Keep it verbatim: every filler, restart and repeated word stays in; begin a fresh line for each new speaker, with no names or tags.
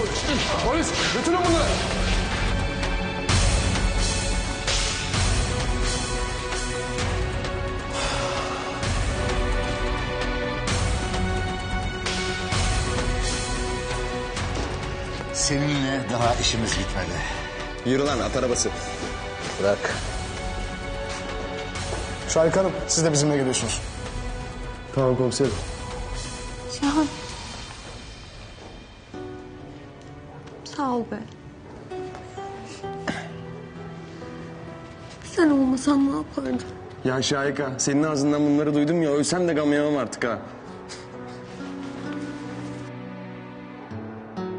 Polis, götürün bunları.
Seninle daha işimiz bitmedi.
Yürü lan at arabası.
Bırak.
Şahika Hanım, siz de bizimle geliyorsunuz.
Tamam komiserim.
Cihan. Sağ ol be. Sen olmasan ne yapardım?
Ya Şahika senin ağzından bunları duydum ya ölsem de gam yemem artık ha.